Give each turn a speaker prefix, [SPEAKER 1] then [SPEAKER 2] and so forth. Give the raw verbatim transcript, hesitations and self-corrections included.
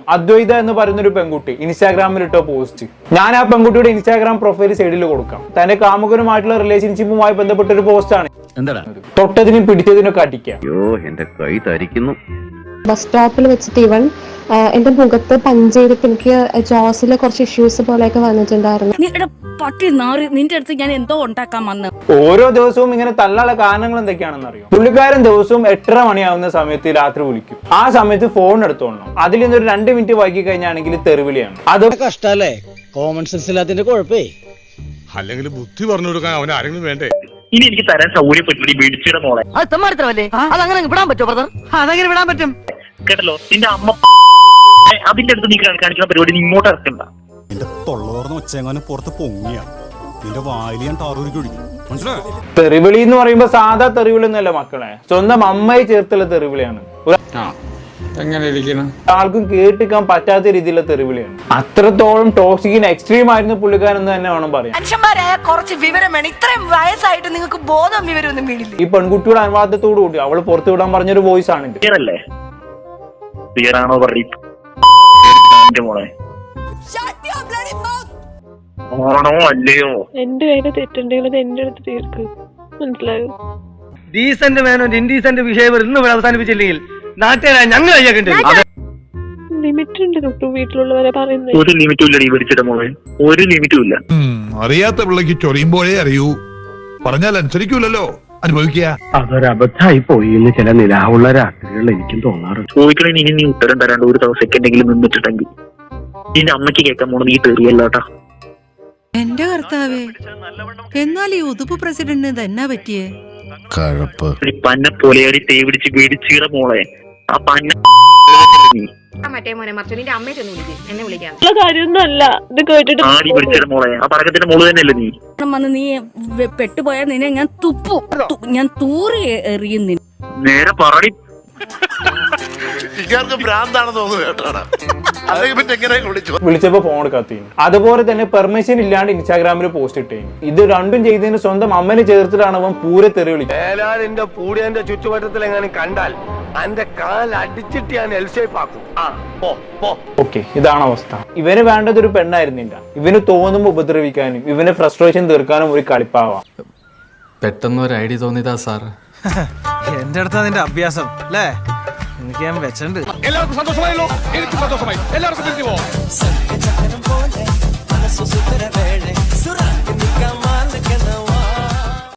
[SPEAKER 1] അദ്വൈത എന്ന് പറയുന്ന ഒരു പെൺകുട്ടി ഇൻസ്റ്റാഗ്രാമിൽ ഇട്ട പോസ്റ്റ്. ഞാൻ ആ പെൺകുട്ടിയുടെ ഇൻസ്റ്റാഗ്രാം പ്രൊഫൈൽ സൈഡിൽ കൊടുക്കാം. തന്റെ കാമുകനുമായിട്ടുള്ള റിലേഷൻഷിപ്പുമായി ബന്ധപ്പെട്ട ഒരു പോസ്റ്റ് ആണ്. തൊട്ടതിനും പിടിച്ചതിനൊക്കെ അടിക്കുക.
[SPEAKER 2] ബസ് സ്റ്റോപ്പിൽ വെച്ചിട്ട് ഇവൻ എന്റെ മുഖത്ത് പഞ്ച് ചെയ്തിട്ട് എനിക്ക് ജോസിലെ കുറച്ച് ഇഷ്യൂസ് പോലെയൊക്കെ വന്നിട്ടുണ്ടായിരുന്നു.
[SPEAKER 3] നിന്റെ അടുത്ത് ഞാൻ എന്തോ ഉണ്ടാക്കാൻ വന്നു.
[SPEAKER 1] ഓരോ ദിവസവും ഇങ്ങനെ തള്ളാനുള്ള കാരണങ്ങൾ എന്തൊക്കെയാണെന്ന് അറിയോ? പുള്ളിക്കാരൻ ദിവസവും എട്ടര മണിയാവുന്ന സമയത്ത് രാത്രി വിളിക്കും. ആ സമയത്ത് ഫോൺ എടുത്തോണം. അതിൽ നിന്നൊരു രണ്ട് മിനിറ്റ് വൈകി കഴിഞ്ഞാണെങ്കിൽ തെറിവിളിയാണ്. അത്
[SPEAKER 4] കഷ്ടല്ലേ? Common sense ഇല്ലാത്തതിന്റെ കുഴപ്പേ.
[SPEAKER 5] അല്ലെങ്കിൽ ബുദ്ധി പറഞ്ഞു കൊടുക്കാൻ അവൻ ആരെങ്കിലും വേണ്ടേ?
[SPEAKER 6] ഇനി എനിക്ക് തരാൻ സൗകര്യപ്പെട്ടില്ല മേടിച്ചിട മോളെ.
[SPEAKER 7] അത് തെമ്മാടിത്തരമല്ലേ? അതങ്ങനെ വിടാൻ പറ്റുമോ ബ്രദർ? അതെങ്ങനെ വിടാൻ പറ്റും?
[SPEAKER 6] കേട്ടല്ലോ, നിന്റെ അമ്മ അതിന്റെ അടുത്ത് നീ കാണിക്കുന്ന പരിപാടി നീ ഇങ്ങോട്ട് ഇറക്കണ്ട.
[SPEAKER 5] നിന്റെ തൊള്ളോർന്ന് ഒച്ചെങ്ങാനും പുറത്ത് പൊങ്ങിയ നിന്റെ വായിൽ ഞാൻ ടാറൂരിക്ക് ഒഴിക്കും. മനസ്സിലായോ?
[SPEAKER 1] തെറിവിളി എന്ന് പറയുമ്പോ സാധാ തെറിവിളി ഒന്നല്ല മക്കളെ, സ്വന്തം അമ്മയെ ചേർത്തുള്ള തെറിവിളിയാണ്. ആൾക്കും കേട്ടിക്കാൻ പറ്റാത്ത രീതിയിലുള്ള തെറിവിളിയാണ്. അത്രത്തോളം ടോക്സിക്കിന് എക്സ്ട്രീം ആയിരുന്നു പുള്ളിക്കാരൻ എന്ന് തന്നെ വേണം പറയാൻ.
[SPEAKER 7] മനുഷ്യന്മാരായ കുറച്ച് വിവരം വേണം. ഇത്രയും വയസ്സായിട്ട് നിങ്ങൾക്ക് ബോധം വിവരമൊന്നും വീടില്ല.
[SPEAKER 1] ഈ പെൺകുട്ടിയുടെ അനുവാദത്തോടു കൂടി അവള് പുറത്തു വിടാൻ പറഞ്ഞൊരു വോയിസ് ആണ് ഇത്.
[SPEAKER 6] ക്ലിയറല്ലേ? ക്ലിയറാണോ പറയും മോളെ? ആണോ അല്ലയോ?
[SPEAKER 2] എന്റെ കയ്യില് തെറ്റുണ്ടെങ്കിൽ അത് എന്റെ അടുത്ത് തീർക്ക്. മനസ്സിലായോ?
[SPEAKER 4] ഡീസന്റ് വേനോ ഇൻഡീസന്റ് വിഷയം ഇന്ന് അവസാനിപ്പിച്ചില്ലെങ്കിൽ നാട്ടുകാരായ ഞങ്ങൾ
[SPEAKER 2] ലിമിറ്റ് ഉണ്ട് തൊട്ടു വീട്ടിലുള്ളവരെ പറയുന്നത്.
[SPEAKER 6] ഒരു ലിമിറ്റും ഇല്ല. മേടിച്ചിട മോളെ, ഒരു ലിമിറ്റും ഇല്ല.
[SPEAKER 5] അറിയാത്ത പിള്ളക്ക് ചൊറിയുമ്പോഴേ അറിയൂ. പറഞ്ഞാൽ അനുസരിക്കൂലല്ലോ, അനുഭവിക്കുക.
[SPEAKER 8] അതൊരബദ്ധായി പോയി എന്ന് ചില നിലാവുള്ള രാത്രികളിൽ എനിക്കും തോന്നാറുണ്ട്.
[SPEAKER 6] ചോദിക്കണേ ഇനി നീ ഉത്തരം തരാണ്ട് ഒരു ദിവസം സെക്കൻഡെങ്കിലും നിന്നിട്ടുണ്ടെങ്കിൽ നിന്റെ അമ്മയ്ക്ക് കേൾക്കാൻ പോണത് നീ തെറിയല്ലോട്ടാ.
[SPEAKER 3] എന്റെ കർത്താവേ, എന്നാൽ ഈ ഉതുപ്പ് പ്രസിഡന്റിന് തന്നെ പറ്റിയേ
[SPEAKER 6] പന്ന പോലെയാടി തേ പിടിച്ച് മേടിച്ചിട മോളെ. ആ പന്ന
[SPEAKER 2] മറ്റേ മോനെ മറിച്ചു നിന്റെ അമ്മയെ ചെന്ന് വിളിക്കും, എന്നെ വിളിക്കാം. കാര്യമൊന്നുമല്ല ഇത് കേട്ടിട്ട്.
[SPEAKER 6] ആടി പിടിച്ചിട മോളെ. ആ പടക്കത്തിന്റെ മോള് തന്നെയല്ലേ നീ?
[SPEAKER 3] വന്ന് നീ പെട്ടുപോയാൽ നിന്നെ ഞാൻ തുപ്പു, ഞാൻ തൂറി എറിയുന്നു.
[SPEAKER 6] നേരെ പറടി.
[SPEAKER 1] വിളിച്ചപ്പോ ഫോൺ എടുക്കാത്ത. അതുപോലെ തന്നെ പെർമിഷൻ ഇല്ലാണ്ട് ഇൻസ്റ്റാഗ്രാമിൽ പോസ്റ്റ് ഇട്ടേ. ഇത് രണ്ടും ചെയ്തതിന് സ്വന്തം അമ്മനെ ചേർത്തിട്ടാണ് അവൻ പൂരെ തെറി വിളിച്ചത്.
[SPEAKER 8] പൂടിയന്റെ ചുറ്റുവട്ടത്തിൽ എങ്ങനെ കണ്ടാൽ എന്റെ കാൽ അടിച്ചിട്ട് ഞാൻ എൽ ഷേപ്പ് ആക്കും.
[SPEAKER 1] ഓക്കെ, ഇതാണ് അവസ്ഥ. ഇവന് വേണ്ടത് ഒരു പെണ്ണായിരുന്നില്ല. ഇവന് തോന്നുമ്പോ ഉപദ്രവിക്കാനും ഇവന് ഫ്രസ്ട്രേഷൻ തീർക്കാനും ഒരു കളിപ്പാവാം.
[SPEAKER 9] പെട്ടെന്ന് ഒരു ഐഡിയ തോന്നിയതാ സാർ.
[SPEAKER 4] എന്റെ അടുത്താ നിന്റെ അഭ്യാസം അല്ലേ? എനിക്ക് ഞാൻ വെച്ചിട്ടുണ്ട്.
[SPEAKER 5] എല്ലാവർക്കും സന്തോഷമായല്ലോ? എനിക്ക് സന്തോഷമായി. എല്ലാവർക്കും